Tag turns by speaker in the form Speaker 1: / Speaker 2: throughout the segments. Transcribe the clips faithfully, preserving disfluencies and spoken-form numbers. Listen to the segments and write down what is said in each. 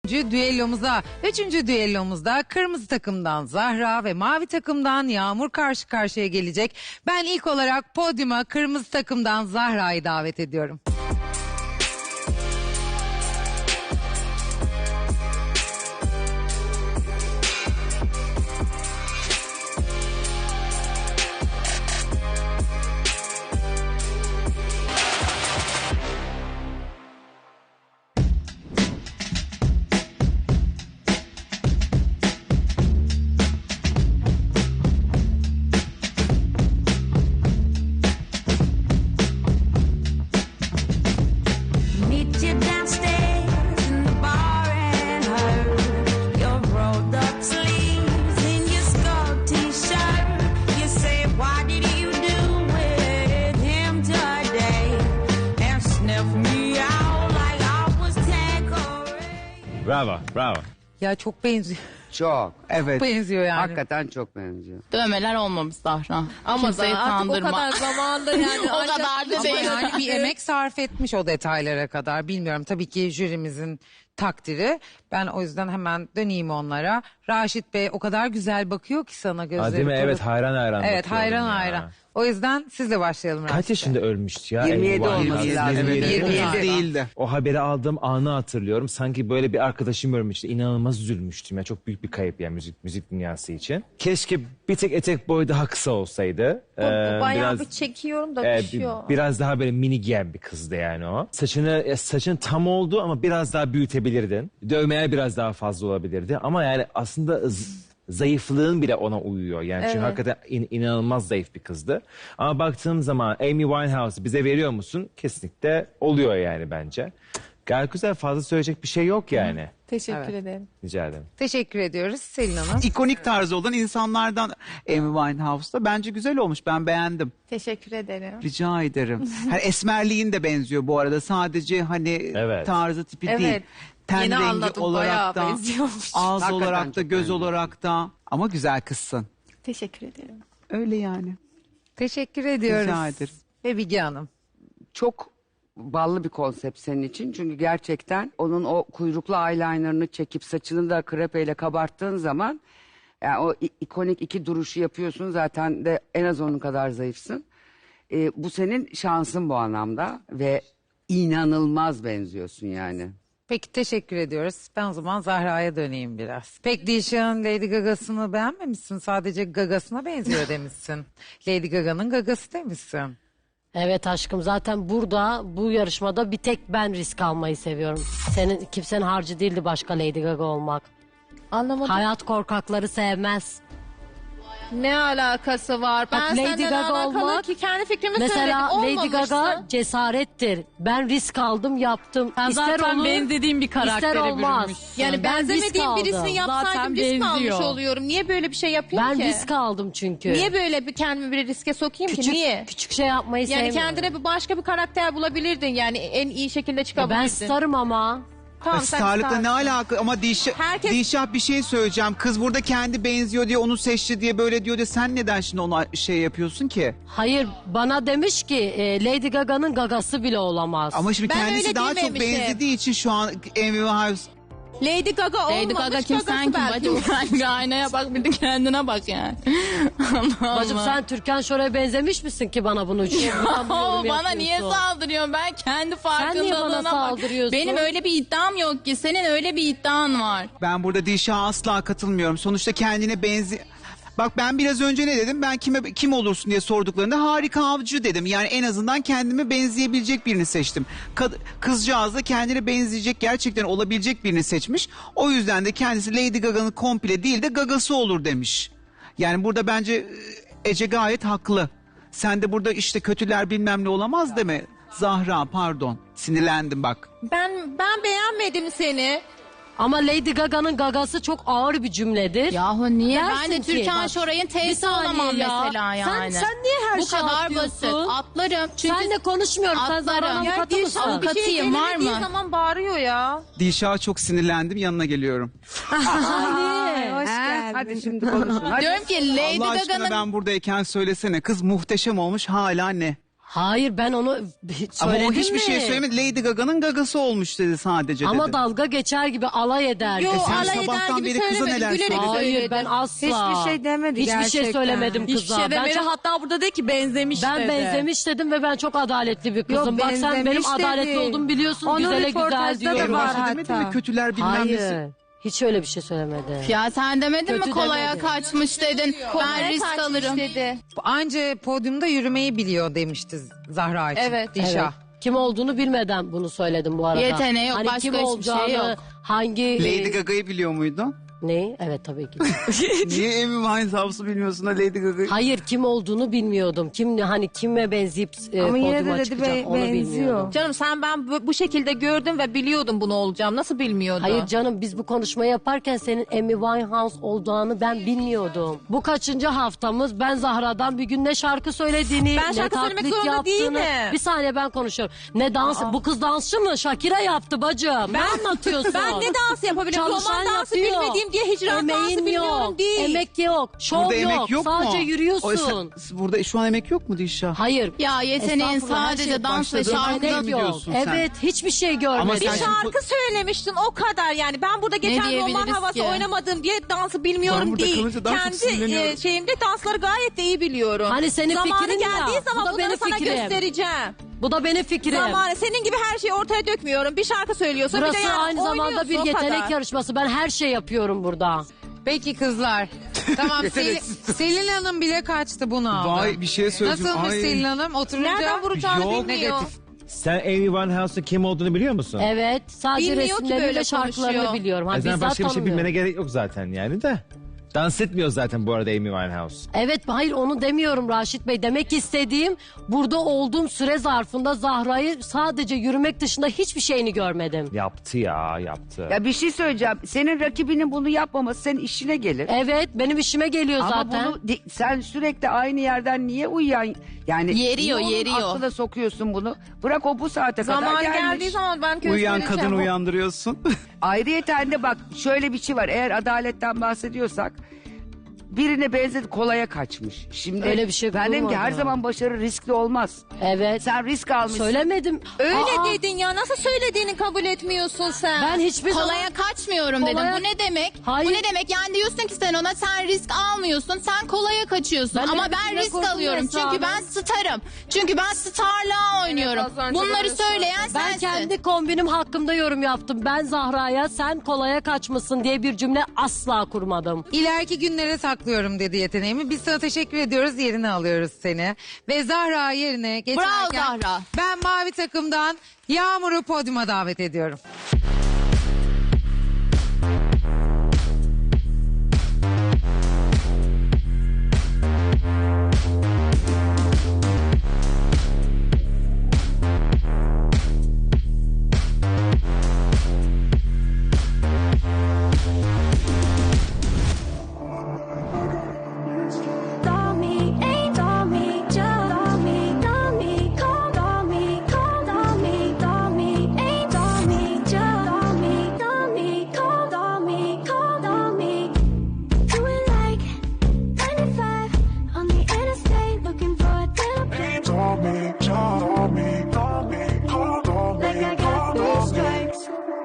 Speaker 1: düellomuza. Üçüncü düellomuzda kırmızı takımdan Zahra ve mavi takımdan Yağmur karşı karşıya gelecek. Ben ilk olarak podyuma kırmızı takımdan Zahra'yı davet ediyorum.
Speaker 2: Bravo, bravo.
Speaker 1: Ya çok benziyor.
Speaker 3: Çok. Evet.
Speaker 1: Benziyor yani.
Speaker 3: Hakikaten çok benziyor.
Speaker 4: Dövmeler olmamış Zahra.
Speaker 5: Ama
Speaker 4: Kimseyi
Speaker 5: da artık o
Speaker 4: kandırma.
Speaker 5: kadar zamandır yani.
Speaker 4: O kadar da
Speaker 1: Ama
Speaker 4: değil.
Speaker 1: yani bir emek sarf etmiş o detaylara kadar. Bilmiyorum, tabii ki jürimizin takdiri. Ben o yüzden hemen döneyim onlara. Raşit Bey o kadar güzel bakıyor ki sana, gözleri.
Speaker 2: Ha, değil mi?
Speaker 1: pırıl.
Speaker 2: Evet, hayran hayran
Speaker 1: Evet,
Speaker 2: bakıyorum
Speaker 1: hayran
Speaker 2: ya.
Speaker 1: hayran. O yüzden sizle başlayalım Raşit
Speaker 2: Kaç
Speaker 1: Bey.
Speaker 2: yaşında ölmüştü ya?
Speaker 3: yirmi yedi
Speaker 2: Amy
Speaker 3: olması
Speaker 2: Winehouse?
Speaker 3: lazım.
Speaker 2: yirmi yedi.
Speaker 3: yirmi yedi değildi.
Speaker 2: O haberi aldığım anı hatırlıyorum. Sanki böyle bir arkadaşım ölmüştü. İnanılmaz üzülmüştüm. Ya çok büyük bir kayıp yani müzik müzik dünyası için. Keşke bir tek etek boyu daha kısa olsaydı.
Speaker 5: Bu, bu
Speaker 2: Ee,
Speaker 5: bayağı
Speaker 2: biraz-
Speaker 5: bir çekiyorum da
Speaker 2: Ee,
Speaker 5: düşüyor.
Speaker 2: bi- biraz daha böyle mini giyen bir kızdı yani o. Saçını ya saçın tam oldu ama biraz daha büyütebilirdin. Dövmeler biraz daha fazla olabilirdi. Ama yani aslında z- zayıflığın bile ona uyuyor. Yani çünkü
Speaker 5: Evet.
Speaker 2: hakikaten in- inanılmaz zayıf bir kızdı. Ama baktığım zaman Amy Winehouse'u bize veriyor musun? Kesinlikle oluyor yani bence. Gayet güzel, fazla söyleyecek bir şey yok yani.
Speaker 5: Teşekkür
Speaker 1: Evet.
Speaker 5: ederim.
Speaker 2: Rica ederim.
Speaker 1: Teşekkür ediyoruz Selin Hanım.
Speaker 6: İkonik tarzı olan insanlardan Amy Winehouse'da bence güzel olmuş. Ben beğendim.
Speaker 5: Teşekkür ederim.
Speaker 6: Rica ederim. Hani esmerliğin de benziyor bu arada. Sadece hani
Speaker 2: Evet.
Speaker 6: tarzı tipi
Speaker 5: Evet.
Speaker 6: değil. Ten
Speaker 5: Yeni
Speaker 6: rengi
Speaker 5: anladım,
Speaker 6: olarak
Speaker 5: bayağı
Speaker 6: da,
Speaker 5: benziyormuş.
Speaker 6: ağız
Speaker 3: Hakikaten
Speaker 6: olarak da,
Speaker 3: çok
Speaker 6: göz
Speaker 3: benziyor.
Speaker 6: olarak da. Ama güzel kızsın.
Speaker 5: Teşekkür ederim.
Speaker 6: Öyle yani.
Speaker 1: Teşekkür ediyoruz.
Speaker 6: Rica ederim.
Speaker 1: Ve Bilge Hanım.
Speaker 3: Çok ballı bir konsept senin için. Çünkü gerçekten onun o kuyruklu eyelinerını çekip saçını da krepeyle kabarttığın zaman yani o i- ikonik iki duruşu yapıyorsun. Zaten de en az onun kadar zayıfsın. Ee, bu senin şansın bu anlamda ve inanılmaz benziyorsun yani.
Speaker 1: Peki, teşekkür ediyoruz. Ben o zaman Zahra'ya döneyim biraz. Pek Dişan Lady Gaga'sını beğenmemişsin. Sadece gagasına benziyor demişsin. Lady Gaga'nın gagası demişsin.
Speaker 7: Evet aşkım, zaten burada bu yarışmada bir tek ben risk almayı seviyorum. Senin kimsenin harcı değildi başka Lady Gaga olmak.
Speaker 5: Anlamadım.
Speaker 7: Hayat korkakları sevmez.
Speaker 5: Ne alakası var? Ben
Speaker 7: Bak, Lady
Speaker 5: senden
Speaker 7: Gaga
Speaker 5: alakalı
Speaker 7: olmak-
Speaker 5: ki kendi fikrimi
Speaker 7: Mesela
Speaker 5: söyledim.
Speaker 7: Lady Gaga
Speaker 5: Olmamışsa-
Speaker 7: cesarettir. Ben risk aldım, yaptım.
Speaker 4: Sen
Speaker 7: İster
Speaker 4: zaten
Speaker 7: olur,
Speaker 4: benzediğin bir karaktere
Speaker 7: ister olmaz.
Speaker 4: bürünmüşsün.
Speaker 5: Yani
Speaker 7: Ben risk
Speaker 5: benzemediğim birisini
Speaker 7: aldım.
Speaker 5: yapsaydım
Speaker 4: Zaten
Speaker 5: risk almış
Speaker 4: benziyor.
Speaker 5: oluyorum. Niye böyle bir şey yapayım
Speaker 7: Ben
Speaker 5: ki?
Speaker 7: risk aldım çünkü.
Speaker 5: Niye böyle bir kendimi bir riske sokayım
Speaker 7: küçük,
Speaker 5: ki? Niye?
Speaker 7: Küçük şey yapmayı
Speaker 5: Yani
Speaker 7: sevmiyorum.
Speaker 5: kendine bir başka bir karakter bulabilirdin. Yani en iyi şekilde
Speaker 7: Ya
Speaker 5: çıkabilirdin.
Speaker 7: ben starım ama.
Speaker 5: Tamam, sen
Speaker 6: Starlıkla
Speaker 5: starsın.
Speaker 6: ne alaka ama Dişah,
Speaker 5: Herkes-
Speaker 6: Dişah bir şey söyleyeceğim. Kız burada kendi benziyor diye onu seçti diye böyle diyor diye sen neden şimdi ona şey yapıyorsun ki?
Speaker 7: Hayır, bana demiş ki e, Lady Gaga'nın gagası bile olamaz.
Speaker 6: Ama şimdi
Speaker 5: Ben
Speaker 6: kendisi
Speaker 5: öyle
Speaker 6: daha çok
Speaker 5: dememişim.
Speaker 6: benzediği için şu an Amy Winehouse.
Speaker 5: Lady Gaga olmamış.
Speaker 4: Lady Gaga kim, sen kim
Speaker 5: belki
Speaker 4: bacım?
Speaker 5: olur.
Speaker 4: Sen bir aynaya bak, bir de kendine bak yani. Allah
Speaker 7: Bacım
Speaker 4: Allah.
Speaker 7: sen Türkan Şoray'a benzemiş misin ki bana bunu
Speaker 4: Oo, bana niye saldırıyorsun? Ben kendi farkındalığına
Speaker 7: niye bana
Speaker 4: bak.
Speaker 7: saldırıyorsun?
Speaker 4: Benim öyle bir iddiam yok ki. Senin öyle bir iddian var.
Speaker 6: Ben burada Dişah'a asla katılmıyorum. Sonuçta kendine benzi... Bak ben biraz önce ne dedim? Ben kime kim olursun diye sorduklarında harika avcı dedim. Yani en azından kendime benzeyebilecek birini seçtim. Kad- Kızcağız da kendine benzeyecek, gerçekten olabilecek birini seçmiş. O yüzden de kendisi Lady Gaga'nın komple değil de gagası olur demiş. Yani burada bence e, Ece gayet haklı. Sen de burada işte kötüler bilmem ne olamaz deme. Zahra pardon. Sinirlendim bak.
Speaker 5: Ben ben beğenmedim seni.
Speaker 7: Ama Lady Gaga'nın gagası çok ağır bir cümledir.
Speaker 4: Yahu niye?
Speaker 7: Dersin
Speaker 4: Ben de
Speaker 7: ki,
Speaker 4: Türkan
Speaker 7: bak,
Speaker 4: Şoray'ın
Speaker 7: bir
Speaker 4: teyze
Speaker 7: saniye
Speaker 4: olamam
Speaker 7: ya.
Speaker 4: mesela yani.
Speaker 7: Sen, sen niye her
Speaker 4: Bu
Speaker 7: şey
Speaker 4: kadar
Speaker 7: atlıyorsun?
Speaker 4: basit. Atlarım. Çünkü
Speaker 7: Senle konuşmuyorum. Sen
Speaker 4: atlarım.
Speaker 7: Zahra'nın
Speaker 4: Ya
Speaker 7: avukatı mısın?
Speaker 4: Dilşah avukatı-
Speaker 5: Bir şey
Speaker 4: Katıyım, var
Speaker 5: söylemediği
Speaker 4: mı?
Speaker 5: zaman bağırıyor ya.
Speaker 6: Dişah'a çok sinirlendim, yanına geliyorum.
Speaker 7: Niye?
Speaker 5: Hoş
Speaker 3: Ha,
Speaker 5: geldin.
Speaker 3: hadi şimdi konuşun. Hadi.
Speaker 4: diyorum ki Lady
Speaker 6: Allah aşkına
Speaker 4: Gaga'nın
Speaker 6: ben buradayken söylesene. Kız muhteşem olmuş hala ne?
Speaker 7: Hayır ben onu hiç
Speaker 6: Ama o
Speaker 7: söyledim
Speaker 6: hiçbir
Speaker 7: mi?
Speaker 6: şey söylemedi. Lady Gaga'nın gagası olmuş dedi sadece
Speaker 7: Ama
Speaker 6: dedi.
Speaker 7: dalga geçer gibi alay eder.
Speaker 5: Yo,
Speaker 6: E sen
Speaker 5: alay eder
Speaker 6: sabahtan
Speaker 5: gibi
Speaker 6: beri kıza
Speaker 5: söylemedim,
Speaker 6: neler
Speaker 5: gülerek
Speaker 6: söyledin?
Speaker 7: Hayır
Speaker 5: söyledim.
Speaker 7: ben asla.
Speaker 3: Hiçbir şey demedi
Speaker 7: Hiçbir şey
Speaker 3: gerçekten.
Speaker 7: söylemedim kıza.
Speaker 4: Hiçbir şey
Speaker 7: Ben
Speaker 4: demedi.
Speaker 7: çok-
Speaker 4: Hatta burada dedi ki benzemiş
Speaker 7: Ben
Speaker 4: dedi.
Speaker 7: benzemiş dedim ve ben çok adaletli bir kızım.
Speaker 3: Yok,
Speaker 7: Bak sen benim
Speaker 3: benzemiş
Speaker 7: adaletli
Speaker 3: dedi.
Speaker 7: olduğumu biliyorsun.
Speaker 3: Onun
Speaker 7: Güzele güzel
Speaker 3: röportajda da
Speaker 7: diyorum.
Speaker 3: var
Speaker 6: Başta demedi
Speaker 3: hatta.
Speaker 6: mi kötüler bilmem nesi?
Speaker 7: Hayır. Hiç öyle bir şey söylemedi.
Speaker 4: Ya sen demedin
Speaker 7: Kötü
Speaker 4: mi kolaya
Speaker 7: demedi.
Speaker 4: kaçmış dedin. Ben risk
Speaker 5: Kaçmış
Speaker 4: alırım.
Speaker 5: dedi.
Speaker 1: Anca podyumda yürümeyi biliyor demişti Zahra için.
Speaker 5: Evet.
Speaker 1: Dişa.
Speaker 7: Evet. Kim olduğunu bilmeden bunu söyledim bu arada.
Speaker 4: Yeteneği yok,
Speaker 7: hani
Speaker 4: başka
Speaker 7: kim
Speaker 4: hiçbir
Speaker 7: olacağını,
Speaker 4: şey yok.
Speaker 7: hangi...
Speaker 6: Lady
Speaker 7: e,
Speaker 6: Gaga'yı biliyor muydun?
Speaker 7: Ne? Evet tabii ki.
Speaker 6: Niye Amy Winehouse'u bilmiyorsun da Lady Gaga'yı?
Speaker 7: Hayır kim olduğunu bilmiyordum. Kim hani kime benzeyip e,
Speaker 3: Ama yine de
Speaker 7: podyuma
Speaker 3: dedi
Speaker 7: çıkacak
Speaker 3: be-
Speaker 7: onu
Speaker 3: benziyor.
Speaker 7: bilmiyordum.
Speaker 5: Canım sen ben bu, bu şekilde gördüm ve biliyordum bunu olacağım. Nasıl bilmiyordun?
Speaker 7: Hayır canım biz bu konuşmayı yaparken senin Amy Winehouse olduğunu ben bilmiyordum. Bu kaçıncı haftamız ben Zahra'dan bir gün ne şarkı söylediğini,
Speaker 5: Ben
Speaker 7: ne
Speaker 5: şarkı söylemek
Speaker 7: taklit
Speaker 5: zorunda
Speaker 7: yaptığını.
Speaker 5: değilim.
Speaker 7: Bir saniye ben konuşuyorum. Ne dans, bu kız dansçı mı? Shakira yaptı bacım. Ne anlatıyorsun?
Speaker 5: Ben ne dans yapabilirim?
Speaker 7: Çalışan
Speaker 5: Roman dansı
Speaker 7: yapıyor.
Speaker 5: bilmediğim diye hicran dansı
Speaker 7: Emeğin
Speaker 5: bilmiyorum
Speaker 7: yok.
Speaker 5: değil.
Speaker 7: Emek yok. Şov
Speaker 6: Burada
Speaker 7: yok.
Speaker 6: emek yok
Speaker 7: Sadece
Speaker 6: mu?
Speaker 7: yürüyorsun.
Speaker 6: O, sen- burada şu an emek yok mu Dişa?
Speaker 7: Hayır.
Speaker 4: Ya yeteneğin
Speaker 7: Estağfurullah, her
Speaker 4: sadece
Speaker 7: şey
Speaker 4: dans ve
Speaker 6: başladı.
Speaker 4: şarkıda
Speaker 6: Emek
Speaker 7: Emek
Speaker 6: mi
Speaker 7: yok.
Speaker 6: diyorsun sen?
Speaker 7: Evet hiçbir şey görmedim.
Speaker 6: Ama
Speaker 5: Bir
Speaker 6: sen şimdi-
Speaker 5: şarkı söylemiştin o kadar yani. Ben burada geçen roman
Speaker 4: diyebiliriz
Speaker 5: havası
Speaker 4: ki?
Speaker 5: oynamadım diye dansı
Speaker 6: Ben
Speaker 5: bilmiyorum
Speaker 6: burada
Speaker 5: değil.
Speaker 6: kalınca daha çok
Speaker 5: Kendi
Speaker 6: sinirleniyorum.
Speaker 5: e, şeyimde dansları gayet de iyi biliyorum.
Speaker 7: Hani senin
Speaker 5: Zamanı
Speaker 7: fikrin ya,
Speaker 5: geldiği
Speaker 7: bu da
Speaker 5: zaman bunları
Speaker 7: benim
Speaker 5: sana
Speaker 7: fikrim.
Speaker 5: göstereceğim.
Speaker 7: Bu da benim fikrim.
Speaker 5: Zamanı senin gibi her şeyi ortaya dökmüyorum. Bir şarkı söylüyorsun
Speaker 7: Burası
Speaker 5: bir de yani
Speaker 7: aynı zamanda
Speaker 5: oynuyorsun,
Speaker 7: bir
Speaker 5: o
Speaker 7: yetenek
Speaker 5: kadar.
Speaker 7: yarışması. Ben her şey yapıyorum burada.
Speaker 1: Peki kızlar. Tamam Sel- Selin Hanım bile kaçtı bunu aldı.
Speaker 6: Vay bir şey söyleyeceğim.
Speaker 1: Nasılmış
Speaker 6: Ay.
Speaker 1: Selin Hanım? Oturunca
Speaker 5: Nereden vuracağını
Speaker 6: Yok.
Speaker 5: bilmiyor.
Speaker 1: negatif.
Speaker 2: Sen Amy Winehouse'un kim olduğunu biliyor musun?
Speaker 7: Evet. Sadece
Speaker 5: Bilmiyor ki
Speaker 7: resimlerini
Speaker 5: böyle
Speaker 7: ve şarkılarını
Speaker 5: konuşuyor.
Speaker 7: biliyorum.
Speaker 2: O
Speaker 7: Hani
Speaker 2: yüzden
Speaker 7: bizzat
Speaker 2: başka bir şey
Speaker 7: tanımıyorum.
Speaker 2: bilmene gerek yok zaten yani de. Dans etmiyor zaten bu arada Amy Winehouse.
Speaker 7: Evet hayır onu demiyorum Raşit Bey. Demek istediğim burada olduğum süre zarfında Zahra'yı sadece yürümek dışında hiçbir şeyini görmedim.
Speaker 2: Yaptı ya yaptı.
Speaker 3: Ya bir şey söyleyeceğim. Senin rakibinin bunu yapmaması senin işine gelir.
Speaker 7: Evet benim işime geliyor
Speaker 3: Ama
Speaker 7: zaten.
Speaker 3: bunu di- sen sürekli aynı yerden niye uyuyan yani
Speaker 4: Yeriyor,
Speaker 3: niye onun
Speaker 4: yeriyor.
Speaker 3: aklına sokuyorsun bunu? Bırak o bu saate kadar
Speaker 5: Zamanı
Speaker 3: gelmiş.
Speaker 5: geldiği zaman ben köy
Speaker 6: Uyuyan
Speaker 5: söyleyeceğim.
Speaker 6: kadın
Speaker 5: O-
Speaker 6: uyandırıyorsun.
Speaker 3: Ayrıyeten de bak şöyle bir şey var. Eğer adaletten bahsediyorsak birine benzedi kolaya kaçmış. Şimdi
Speaker 7: Öyle bir şey
Speaker 3: ben dedim ki
Speaker 7: bulmadım.
Speaker 3: her zaman başarı riskli olmaz.
Speaker 7: Evet.
Speaker 3: Sen risk almışsın.
Speaker 7: Söylemedim.
Speaker 5: Öyle
Speaker 7: Aa,
Speaker 5: dedin ya nasıl söylediğini kabul etmiyorsun sen.
Speaker 7: Ben hiçbir zaman...
Speaker 4: Kolaya kaçmıyorum dedim.
Speaker 7: Kolaya-
Speaker 4: Bu ne demek?
Speaker 7: Hayır.
Speaker 4: Bu ne demek? Yani diyorsun ki sen ona sen risk almıyorsun. Sen kolaya kaçıyorsun.
Speaker 7: Ben
Speaker 4: Ama
Speaker 7: hep
Speaker 4: ben risk
Speaker 7: rekordum
Speaker 4: alıyorum.
Speaker 7: Esra
Speaker 4: Çünkü
Speaker 7: Hanım.
Speaker 4: ben starım. Çünkü ben starlığa oynuyorum.
Speaker 5: az önce
Speaker 4: Bunları
Speaker 5: böyle
Speaker 4: söyleyen
Speaker 7: Ben
Speaker 4: sensin.
Speaker 7: kendi kombinim hakkında yorum yaptım. Ben Zahra'ya sen kolaya kaçmışsın diye bir cümle asla kurmadım.
Speaker 1: İleriki günlere saklıyorum dedi yeteneğimi. Biz sana teşekkür ediyoruz. Yerine alıyoruz seni. Ve Zahra yerine geçerken
Speaker 4: Zahra.
Speaker 1: ben mavi takımdan Yağmur'u podyuma davet ediyorum.
Speaker 8: Call me, ain't call me, just call me, call me, call, call me, call, call me, call me, ain't call me, just call me, call me, call, call me, call, call me. Doing like ninety-five on the interstate, looking for a little break.
Speaker 9: Call me, call me, call me, call, call me,
Speaker 8: Like I
Speaker 9: call,
Speaker 8: got three
Speaker 9: call me.
Speaker 8: strikes.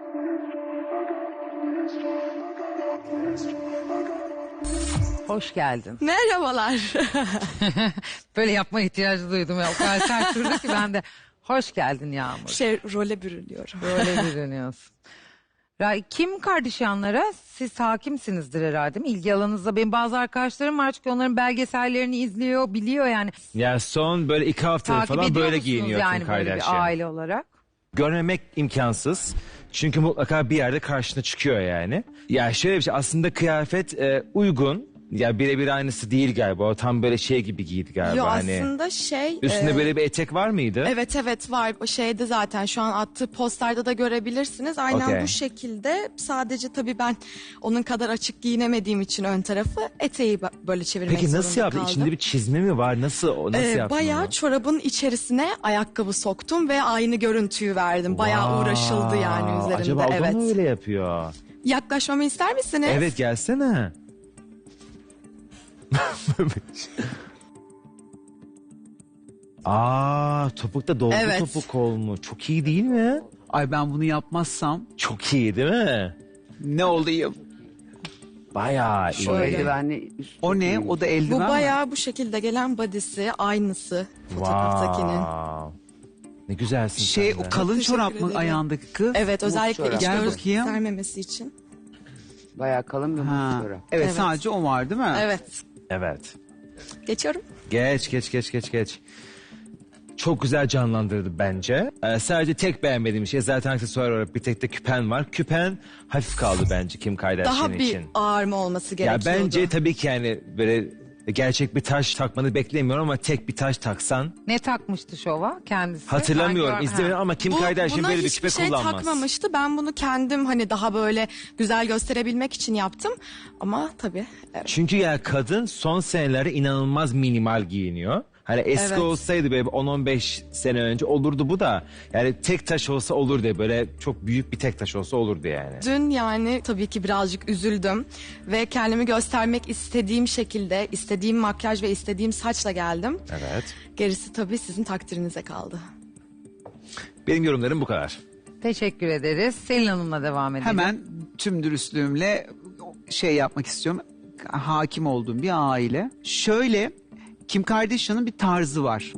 Speaker 1: Hoş geldin.
Speaker 10: Merhabalar.
Speaker 1: Böyle yapma ihtiyacı duydum. Ya. O kadar sert durdu ki ben de. Hoş geldin Yağmur.
Speaker 10: Şey role bürünüyorum.
Speaker 1: Böyle bürünüyorsun. Ra- Kim Kardashian'lara siz hakimsinizdir herhalde değil mi? İlgi alanınızda benim bazı arkadaşlarım var çünkü onların belgesellerini izliyor, biliyor yani.
Speaker 2: Ya son böyle iki haftadır
Speaker 1: Takip
Speaker 2: falan
Speaker 1: ediyor
Speaker 2: böyle
Speaker 1: musunuz
Speaker 2: giyiniyor
Speaker 1: yani
Speaker 2: Kim
Speaker 1: böyle
Speaker 2: Kardashian.
Speaker 1: bir aile olarak?
Speaker 2: Görmemek imkansız. Çünkü mutlaka bir yerde karşına çıkıyor yani. Ya şöyle bir şey aslında kıyafet e, uygun. Ya birebir aynısı değil galiba. O tam böyle şey gibi giydi galiba.
Speaker 10: Yo
Speaker 2: hani.
Speaker 10: aslında şey...
Speaker 2: Üstünde
Speaker 10: e,
Speaker 2: böyle bir etek var mıydı?
Speaker 10: Evet evet var. O şeyde zaten şu an attığı posterde de görebilirsiniz. Aynen
Speaker 2: Okey.
Speaker 10: bu şekilde. Sadece tabii ben onun kadar açık giyinemediğim için ön tarafı eteği ba- böyle çevirmek
Speaker 2: Peki nasıl
Speaker 10: zorunda
Speaker 2: yaptın?
Speaker 10: kaldım.
Speaker 2: İçinde bir çizme mi var? Nasıl o nasıl
Speaker 10: Ee,
Speaker 2: yaptın
Speaker 10: bayağı
Speaker 2: onu?
Speaker 10: çorabın içerisine ayakkabı soktum ve aynı görüntüyü verdim. Bayağı
Speaker 2: Vay,
Speaker 10: uğraşıldı yani üzerinde.
Speaker 2: Acaba o da
Speaker 10: evet.
Speaker 2: mı öyle yapıyor?
Speaker 10: Yaklaşmamı ister misiniz?
Speaker 2: Evet gelsene. Aa, topukta dolgu
Speaker 10: Evet.
Speaker 2: topuk olmuş. Çok iyi değil mi?
Speaker 6: Ay ben bunu yapmazsam
Speaker 2: Çok iyi değil mi?
Speaker 6: ne olayım?
Speaker 2: Bayağı iyi.
Speaker 3: O eldivenli üst
Speaker 6: O ne?
Speaker 3: iyiymiş.
Speaker 6: O da eldiven
Speaker 10: Bu
Speaker 6: mi?
Speaker 10: bayağı bu şekilde gelen body'si, aynısı fotoğraftakinin.
Speaker 2: Wow. Ne güzelsin
Speaker 6: Şey
Speaker 2: sen
Speaker 6: o
Speaker 2: de.
Speaker 6: kalın
Speaker 10: Teşekkür
Speaker 6: çorap mı
Speaker 10: ederim.
Speaker 6: ayağındaki kız?
Speaker 10: Evet, özellikle
Speaker 3: çorap.
Speaker 10: iç
Speaker 6: Gel
Speaker 10: göz
Speaker 6: bakayım.
Speaker 10: sermemesi için.
Speaker 3: Bayağı kalın bir
Speaker 6: Ha.
Speaker 3: mutlu
Speaker 6: Evet,
Speaker 10: Evet.
Speaker 6: sadece o var değil mi?
Speaker 10: Evet.
Speaker 2: Evet.
Speaker 10: Geçiyorum.
Speaker 2: Geç geç geç geç geç. Çok güzel canlandırdı bence. Ee, sadece tek beğenmediğim şey zaten aksesuar olarak bir tek de küpen var. Küpen hafif kaldı bence Kim Kardashian
Speaker 10: Daha bir
Speaker 2: için.
Speaker 10: ağır mı olması
Speaker 2: Ya
Speaker 10: gerekiyordu?
Speaker 2: bence tabii ki yani böyle gerçek bir taş takmanı beklemiyorum ama tek bir taş taksan
Speaker 1: Ne takmıştı şova kendisi?
Speaker 2: hatırlamıyorum,
Speaker 1: Ben gör-
Speaker 2: izlemedim
Speaker 1: Ha.
Speaker 2: ama Kim
Speaker 10: Bu-
Speaker 2: Kardashian
Speaker 10: buna
Speaker 2: böyle bir
Speaker 10: hiçbir
Speaker 2: küpe
Speaker 10: şey
Speaker 2: kullanmaz.
Speaker 10: takmamıştı. Ben bunu kendim hani daha böyle güzel gösterebilmek için yaptım. Ama tabii evet.
Speaker 2: Çünkü ya kadın son senelerde inanılmaz minimal giyiniyor. Hani eski
Speaker 10: Evet.
Speaker 2: olsaydı böyle on on beş sene önce olurdu bu da. Yani tek taş olsa olurdu, böyle çok büyük bir tek taş olsa olurdu yani.
Speaker 10: Dün yani tabii ki birazcık üzüldüm ve kendimi göstermek istediğim şekilde, istediğim makyaj ve istediğim saçla geldim.
Speaker 2: Evet.
Speaker 10: Gerisi tabii sizin takdirinize kaldı.
Speaker 2: Benim yorumlarım bu kadar.
Speaker 1: Teşekkür ederiz. Selin Hanım'la devam edelim.
Speaker 6: Hemen tüm dürüstlüğümle şey yapmak istiyorum. Hakim olduğum bir aile. Şöyle Kim Kardashian'ın bir tarzı var.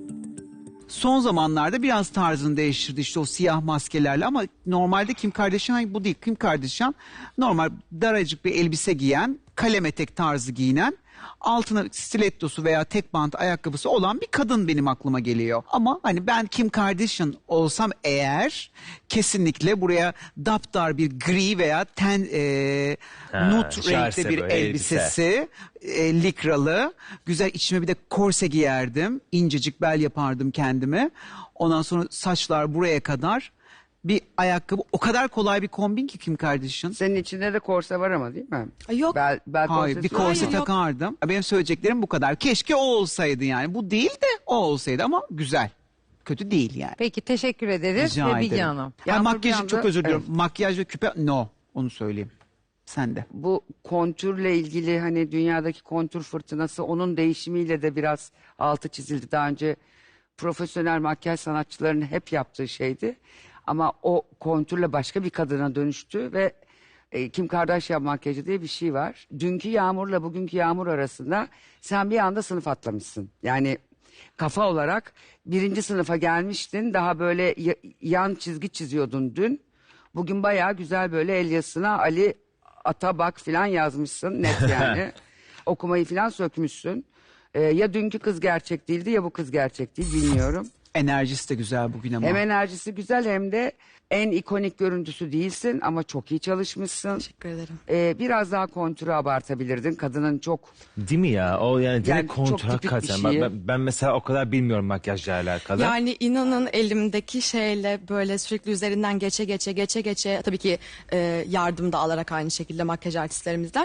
Speaker 6: Son zamanlarda biraz tarzını değiştirdi işte o siyah maskelerle ama normalde Kim Kardashian bu değil. Kim Kardashian normal daracık bir elbise giyen, kalem etek tarzı giyinen, altına stilettosu veya tek bant ayakkabısı olan bir kadın benim aklıma geliyor. Ama hani ben Kim Kardashian olsam eğer kesinlikle buraya daptar bir gri veya ten e,
Speaker 2: Ha,
Speaker 6: nut
Speaker 2: şarse
Speaker 6: renkte bir
Speaker 2: böyle
Speaker 6: elbisesi, e, likralı, güzel içime bir de korse giyerdim, incecik bel yapardım kendime. Ondan sonra saçlar buraya kadar. Bir ayakkabı, o kadar kolay bir kombin ki Kim Kardashian.
Speaker 3: Senin içinde de korse var ama değil mi?
Speaker 10: Ay yok.
Speaker 3: Bel, bel
Speaker 6: Hayır,
Speaker 3: korsesi
Speaker 6: bir korse
Speaker 10: Hayır, yok.
Speaker 6: takardım. Benim söyleyeceklerim bu kadar. Keşke o olsaydı yani. Bu değil de o olsaydı ama güzel. Kötü değil yani.
Speaker 1: Peki teşekkür ederiz
Speaker 6: Rica
Speaker 1: ve Bilge
Speaker 6: ederim.
Speaker 1: Hanım.
Speaker 6: Ya
Speaker 3: Yağmur
Speaker 6: makyaj
Speaker 3: bir anda-
Speaker 6: çok özür diliyorum.
Speaker 3: Evet.
Speaker 6: Makyaj ve küpe no. Onu söyleyeyim. Sen de.
Speaker 3: Bu kontürle ilgili hani dünyadaki kontür fırtınası onun değişimiyle de biraz altı çizildi. Daha önce profesyonel makyaj sanatçılarının hep yaptığı şeydi. Ama o kontürle başka bir kadına dönüştü ve e, Kim Kardashian makyajı diye bir şey var. Dünkü Yağmur'la bugünkü Yağmur arasında sen bir anda sınıf atlamışsın. Yani kafa olarak birinci sınıfa gelmiştin. Daha böyle ya- yan çizgi çiziyordun dün. Bugün bayağı güzel böyle el yazısına Ali Atabak falan yazmışsın net yani. Okumayı falan sökmüşsün. Ee, ya dünkü kız gerçek değildi ya bu kız gerçek değil bilmiyorum.
Speaker 6: Enerjisi de güzel bugün ama.
Speaker 3: Hem enerjisi güzel hem de en ikonik görüntüsü değilsin ama çok iyi çalışmışsın.
Speaker 10: Teşekkür ederim.
Speaker 3: Ee, biraz daha kontürü abartabilirdin. Kadının çok
Speaker 2: Değil mi ya? O yani direkt
Speaker 3: Yani çok
Speaker 2: kontur
Speaker 3: tipik bir
Speaker 2: hakikaten.
Speaker 3: şey.
Speaker 2: Ben, ben mesela o kadar bilmiyorum makyajla alakalı.
Speaker 10: Yani inanın elimdeki şeyle böyle sürekli üzerinden geçe geçe geçe geçe tabii ki e, yardım da alarak aynı şekilde makyaj artistlerimizden.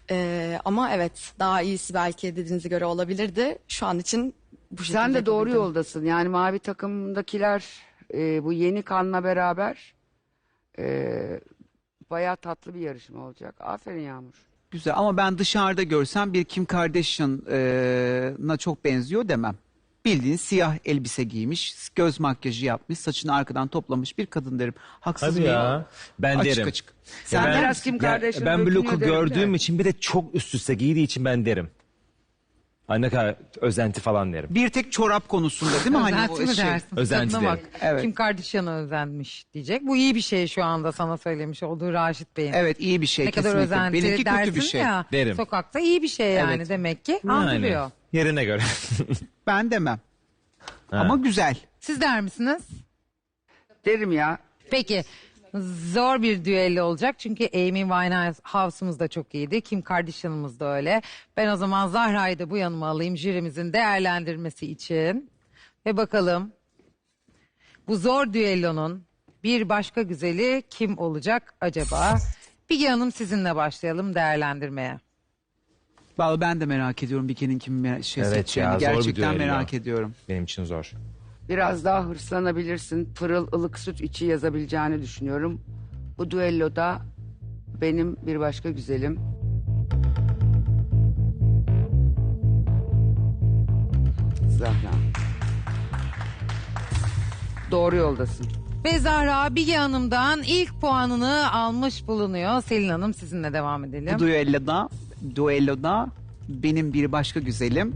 Speaker 10: E, ama evet daha iyisi belki dediğinize göre olabilirdi. Şu an için bu şekilde
Speaker 3: sen de doğru
Speaker 10: yapabildim.
Speaker 3: yoldasın. Yani mavi takımdakiler e, bu yeni kanla beraber e, bayağı tatlı bir yarışma olacak. Aferin Yağmur.
Speaker 6: Güzel ama ben dışarıda görsem bir Kim Kardashian'a çok benziyor demem. Bildiğin siyah elbise giymiş, göz makyajı yapmış, saçını arkadan toplamış bir kadın derim. Haksız
Speaker 2: Hadi
Speaker 6: mıyım?
Speaker 2: ya. Ben
Speaker 6: Açık
Speaker 2: derim.
Speaker 6: açık.
Speaker 3: Sen
Speaker 2: Ya
Speaker 3: biraz Kim
Speaker 2: ya
Speaker 3: Kardashian
Speaker 2: ben bu
Speaker 3: dökülüyor
Speaker 2: look'u
Speaker 3: derim de.
Speaker 2: gördüğüm için bir de çok üst üste giydiği için ben derim. Ay ne kadar özenti falan derim.
Speaker 6: Bir tek çorap konusunda değil mi? Hani
Speaker 1: Özenti
Speaker 6: o
Speaker 1: mi
Speaker 6: şey.
Speaker 1: dersin?
Speaker 2: Özenti
Speaker 1: Tadına
Speaker 2: derim.
Speaker 1: bak.
Speaker 6: Evet.
Speaker 1: Kim Kardashian'a özenmiş diyecek. Bu iyi bir şey şu anda sana söylemiş olduğu Raşit Bey'in.
Speaker 6: Evet iyi bir şey
Speaker 1: Ne kadar
Speaker 6: kesinlikle.
Speaker 1: özenti
Speaker 6: Benimki
Speaker 1: dersin
Speaker 6: kötü bir şey.
Speaker 1: ya.
Speaker 2: Derim.
Speaker 1: Sokakta iyi bir şey yani
Speaker 6: Evet.
Speaker 1: demek ki.
Speaker 2: Yani
Speaker 1: Andırıyor.
Speaker 2: yerine göre.
Speaker 6: Ben demem.
Speaker 2: Ha.
Speaker 6: Ama güzel.
Speaker 1: Siz der misiniz?
Speaker 3: Derim ya.
Speaker 1: Peki zor bir düello olacak çünkü Amy Winehouse'umuz da çok iyiydi. Kim Kardashian'ımız da öyle. Ben o zaman Zahra'yı da bu yanıma alayım jürimizin değerlendirmesi için. Ve bakalım bu zor düellonun bir başka güzeli kim olacak acaba? Bilge Hanım sizinle başlayalım değerlendirmeye.
Speaker 6: Vallahi ben de merak ediyorum Bike'nin kim me- şey
Speaker 2: Evet
Speaker 6: seçeceğini.
Speaker 2: ya, zor bir
Speaker 6: Gerçekten
Speaker 2: düello.
Speaker 6: merak ediyorum.
Speaker 2: Benim için zor.
Speaker 3: Biraz daha hırslanabilirsin. Pırıl ılık süt içi yazabileceğini düşünüyorum. Bu düelloda benim bir başka güzelim. Zahra. doğru yoldasın.
Speaker 1: Ve Zahra Bilge Hanım'dan ilk puanını almış bulunuyor. Selin Hanım sizinle devam edelim.
Speaker 6: Bu düelloda, düelloda benim bir başka güzelim.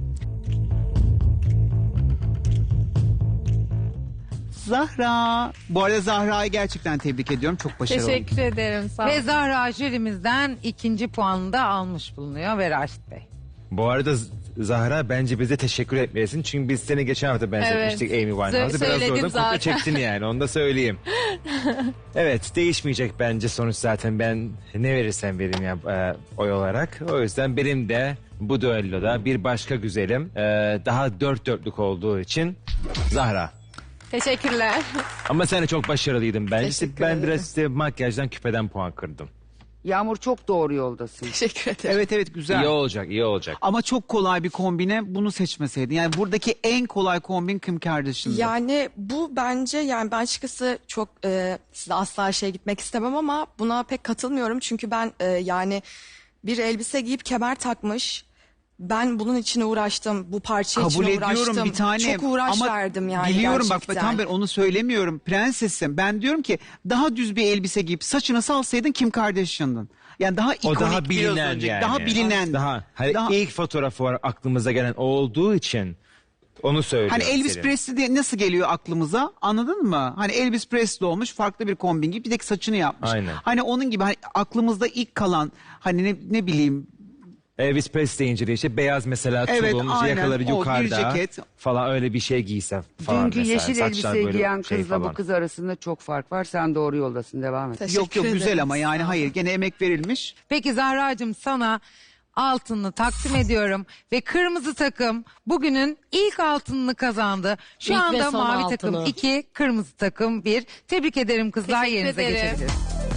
Speaker 6: Zahra. Bu arada Zahra'yı gerçekten tebrik ediyorum. Çok başarılı.
Speaker 4: Teşekkür ederim. Sağ
Speaker 1: Ve
Speaker 4: olun.
Speaker 1: Zahra jürimizden ikinci puanını da almış bulunuyor ve Raşit Bey.
Speaker 2: Bu arada Z- Zahra bence bize teşekkür etmelisin. Çünkü biz seni geçen hafta benzetmiştik
Speaker 4: Evet.
Speaker 2: Amy Winehouse'a.
Speaker 4: Sö-
Speaker 2: Biraz
Speaker 4: söyledim
Speaker 2: oradan
Speaker 4: zaten.
Speaker 2: kopya çektin yani, onu da söyleyeyim. Evet, değişmeyecek bence sonuç zaten. Ben ne verirsem vereyim ya e, oy olarak. O yüzden benim de bu düelloda bir başka güzelim. e, daha dört dörtlük olduğu için Zahra.
Speaker 4: Teşekkürler.
Speaker 2: Ama sen de çok başarılıydın bence. İşte
Speaker 10: Teşekkür
Speaker 2: ben
Speaker 10: ederim.
Speaker 2: biraz işte makyajdan, küpeden puan kırdım.
Speaker 3: Yağmur çok doğru yoldasın.
Speaker 10: Teşekkür ederim.
Speaker 6: Evet evet güzel.
Speaker 2: İyi olacak, iyi olacak.
Speaker 6: Ama çok kolay bir kombine bunu seçmeseydin. Yani buradaki en kolay kombin Kim Kardashian'dı.
Speaker 10: Yani bu bence yani ben açıkçası çok e, size asla şey gitmek istemem ama buna pek katılmıyorum. Çünkü ben e, yani bir elbise giyip kemer takmış. Ben bunun için uğraştım. Bu parça
Speaker 6: Kabul
Speaker 10: için uğraştım.
Speaker 6: ediyorum bir tane.
Speaker 10: Çok uğraş
Speaker 6: ama
Speaker 10: verdim yani
Speaker 6: biliyorum
Speaker 10: gerçekten.
Speaker 6: bak tam ben onu söylemiyorum prensesim. Ben diyorum ki daha düz bir elbise giyip saçını salsaydın Kim Kardashian'dın. Yani daha
Speaker 2: O
Speaker 6: ikonik
Speaker 2: daha
Speaker 6: biraz
Speaker 2: bilinen
Speaker 6: önce,
Speaker 2: yani.
Speaker 6: Daha bilinen.
Speaker 2: Daha, hani
Speaker 6: Daha-
Speaker 2: ilk fotoğrafı var aklımıza gelen o olduğu için onu söylüyorum.
Speaker 6: Hani Elvis
Speaker 2: Selin.
Speaker 6: Presley diye nasıl geliyor aklımıza anladın mı? Hani Elvis Presley olmuş farklı bir kombin gibi bir tek saçını yapmış.
Speaker 2: Aynen.
Speaker 6: Hani onun gibi hani aklımızda ilk kalan hani ne, ne bileyim
Speaker 2: Elvis Presley deyince de işte beyaz mesela
Speaker 6: Evet,
Speaker 2: tulum,
Speaker 6: aynen.
Speaker 2: yakaları
Speaker 6: O, bir
Speaker 2: yukarıda
Speaker 6: ceket.
Speaker 2: falan öyle bir şey giyse falan
Speaker 3: Dünkü
Speaker 2: mesela.
Speaker 3: yeşil
Speaker 2: Saçlar
Speaker 3: elbise
Speaker 2: böyle
Speaker 3: giyen
Speaker 2: şey
Speaker 3: kızla
Speaker 2: falan.
Speaker 3: bu kız arasında çok fark var. Sen doğru yoldasın. Devam et.
Speaker 10: Teşekkür
Speaker 6: yok yok güzel
Speaker 10: ederim.
Speaker 6: ama yani
Speaker 10: Sağ olun.
Speaker 6: hayır gene emek verilmiş.
Speaker 1: Peki Zahra'cığım sana altınını takdim ediyorum ve kırmızı takım bugünün ilk altınını kazandı. Şu
Speaker 7: İlk ve
Speaker 1: anda
Speaker 7: son
Speaker 1: mavi
Speaker 7: altını.
Speaker 1: takım iki, kırmızı takım bir. Tebrik ederim kızlar,
Speaker 4: Teşekkür
Speaker 1: yerinize
Speaker 4: ederim.
Speaker 1: geçebiliriz.